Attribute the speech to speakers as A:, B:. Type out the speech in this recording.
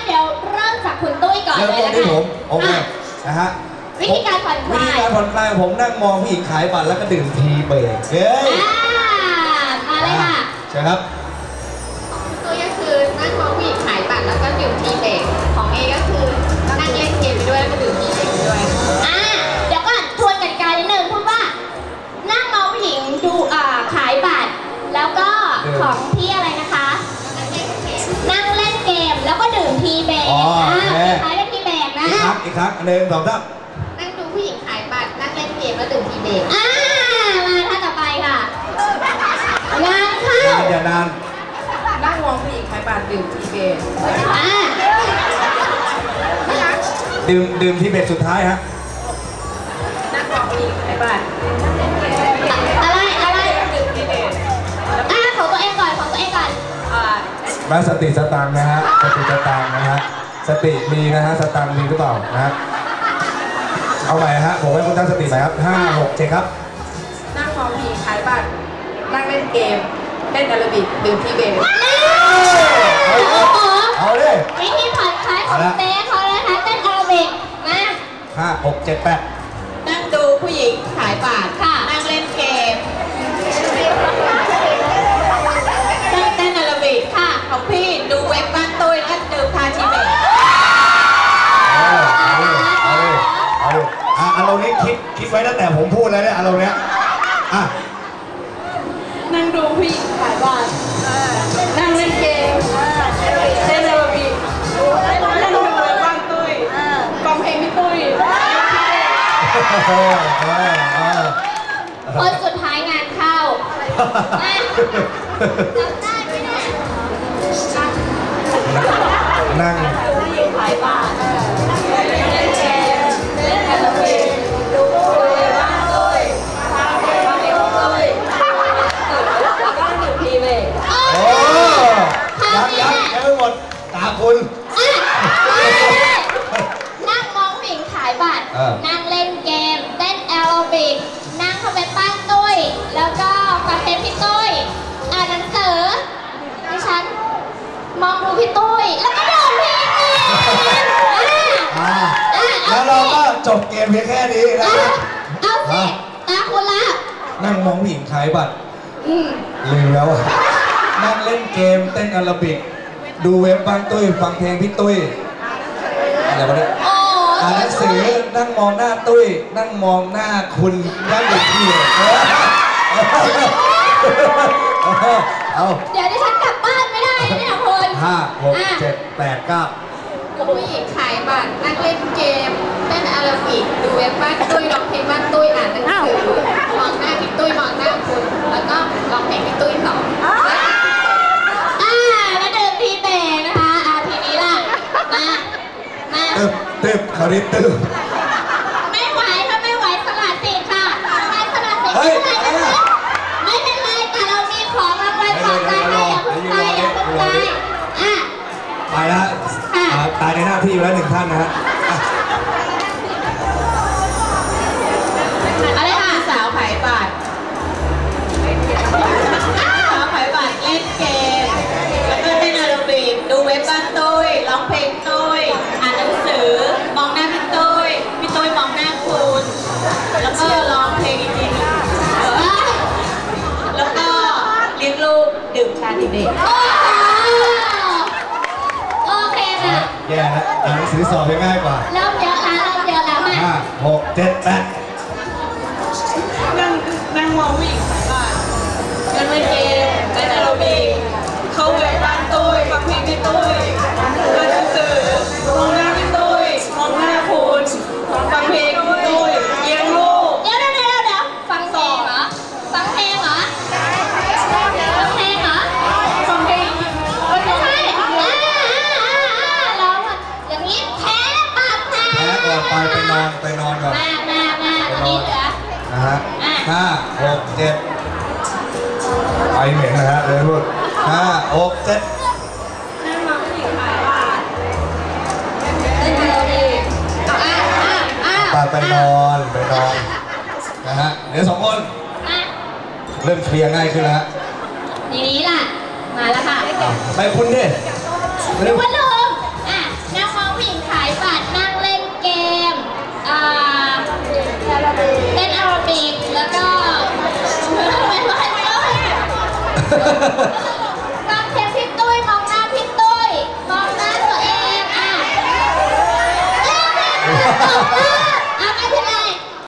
A: เดี๋ยวเริ่มจากคุณตุ้ยก่อนเลยนะคะที่ผม
B: โอเคนะฮะ
A: วิธีการผ่อนคลาย
B: ผมนั่งมองผู้หญิงขายบัตรแล้วก็ดื่มทีเบรกเฮ้ย
A: มาเลยค่ะ
B: ใช่ครับ
C: ตัวก็คือนั่งมองผู้หญิงขายบัตรแล้วก็ดื่มทีเบรกของเอก็คือนั่งเล่นเกมไปด้วยแล้วก็ดื่มทีเบรกไปด้วย
A: เดี๋ยวก่อนทวนกติกานิดนึงพูดว่านั่งมองผู้หญิงดูขายบัตรแล้วก็ของที่อะไรนะคะนั่งเล่นเกมแล้วก็ดื่มทีเบรกขายเป็นทีเบรกนะ
B: อีกครั้งหนึ่งสองสาม
C: นั่งดูผู้หญิงขายบัตรนั่งเล่นเกมแล้วดื่มทีเบรก
A: มาท่าต่อไปค่ะงานเข้า
B: อย่านาน
C: นั่งมองผู้หญิงขายบัตรดื่มทีเบรก
B: ดื่มทีเบรกสุดท้ายฮะ
C: นั่งมองผู้หญิงขายบัตร
A: อะไร
C: ดื่มทีเบรก
A: ของตัวเองก่อน
B: มาสติสตังนะฮะสติสตังนะฮะสติมีนะฮะสตังมีหรือเปล่านะฮะเอาใหม่ฮะผมให้คุณตั้งสติใหม่ครับ5 6 7ครับ
C: นั่งมองผู้หญิงขายบัตรนั่งเล่นเกมเล่นแอโรบิกดื่มทีเบรก
B: เอาเลย
A: วิธีผ่อนคลายของเต้เขาเลยนะคะเต้นแอโรบิกมา
B: 5 6 7 8
C: นั่งดูผู้หญิงขายบัตร
A: ค่ะ
C: นั่งเล่นเกมนั่งเต้นแอโรบิก
A: ค่ะ
C: ของพี่ดูเว็บบ้านตุ้ยแล้วดื่มทาทีเบรก
B: อารมณ์นี้คิดไว้ตั้งแต่ผมพูดแล้วเนี่ยอารมณ์เนี้ย
C: นั่งดูผู้หญิงขายบัตรนั่งเล่นเกมเต้นแอโรบิกนั่งดูเว็บบ้านตุ้ยฟังเพลงพี่ตุ้ย
A: คนสุดท้ายงานเข้าได้ไหมเนี่ย
B: นั่ง
A: ผู้หญิงขายบัตรเล่นเกมเล่นแอโรบิกดูเว็บบ้านตุ้ยฟังเพลงพี่ตุ้ยแล้วก็ดื่มทีเบรก
B: ยังไม่หมดตาคุณ
A: นั่งมองผู้หญิงขายบัตรนั่งเล่นเกมเต้นแอโรบิกนั่งเข้าไปปั้นตุ้ยแล้วก็ฟังเพลงพี่ตุ้ยอ่านหนังสือดิฉันมองดูพี่ตุ้ยแล้วก็ดื่มทีเบรก
B: แล้วเราก็จบเกมเพียงแค่นี้นะครับ
A: เอาสิตาคุณละ
B: นั่งมองผู้หญิงขายบัตรลืมแล้วนั่งเล่นเกมเต้นแอโรบิกดูเว็บบ้านตุ้ยฟังเพลงพี่ตุ้ยอะไรวะเนี่ยอ่านหนังสือนั่งมองหน้าตุ้ยนั่งมองหน้าคุณนั่งอยู่ที่เอา
A: เดี๋ยวดิฉันกลับบ้านไม่ได้เนี่ยคุณ
B: 5 6 7 8 9
C: ผู้หญิงขายบัตรนั่งเล่นเกมเต้นแอโรบิกดูเว็บบ้านตุ้ยร้องเพลงบ้านตุ้ยอ่านหนังสือมองหน้าพี่ตุ้ยมองหน้าคุณแล้วก็ร้องเพลงพี่ตุ้ยต่อ
A: แล้วดื่มทีเบรกนะคะทีนี้ล่ะมา
B: ตึบเขาเรียกตึบ
A: ไม่ไหวถ้าไม่ไหวสลัดสิค่ะสลัดสิไม่เป็นไรแต่เรามีของรางวัลปลอบใจให้อย่าเพิ่งไป
B: ไปแล้วตายในหน้าที่แล้ว1 ท่านนะฮะ
C: อะไรค่ะสาวขายบัตรสาวขายบัตรเล่นเกมแล้วก็เต้นแอโรบิกดูเว็บบ้านตุ้ยร้องเพลงตุ้ยอ่านหนังสือมองหน้าพี่ตุ้ยมองหน้าคุณแล้วก็ร้องเพลงอีกทีนึงแล้วก็เลี้ยงลูกดื่มชาทีเบรก
A: โอเคค่ะ
B: แย่แล้วอ่านหนังสือสอบง่ายกว่า
A: เริ่มเยอะแล้วมา
B: 5 6 7 8
C: นั่งมองผู้หญิงขายบัตรนั่งเล่นเกมเต้นแอโรบิกเข้าเว็บบ้านตุ้ยฟังเพลงพี่ตุ้ยอ่านหนังสือมองหน้าพี่ตุ้ยมองหน้าคุณฟังเพลงพี่ตุ้ยเลี้ยงลูก
A: เดี๋ยวฟังเพลงเหรอฟังเพลงเหรอไม่ใช่เราอย่างนี้แพ้ก่อน
B: ไปนอนก่อน
A: มานี่เหลือ
B: นะฮะ5 6 7ไปเหม็นนะฮะเลยพูด5 6 7
C: นั่งมองผู้หญิงขายบัตรเต้นแอโรบิก
B: ไปนอนนะฮะเดี๋ยว2 คนเริ่มเคลียร์ง่ายขึ้นแล้ว
A: ทีนี้ล่ะมาแล้วค่ะ
B: ไปคุณดิ
A: นึกว่าลืมเ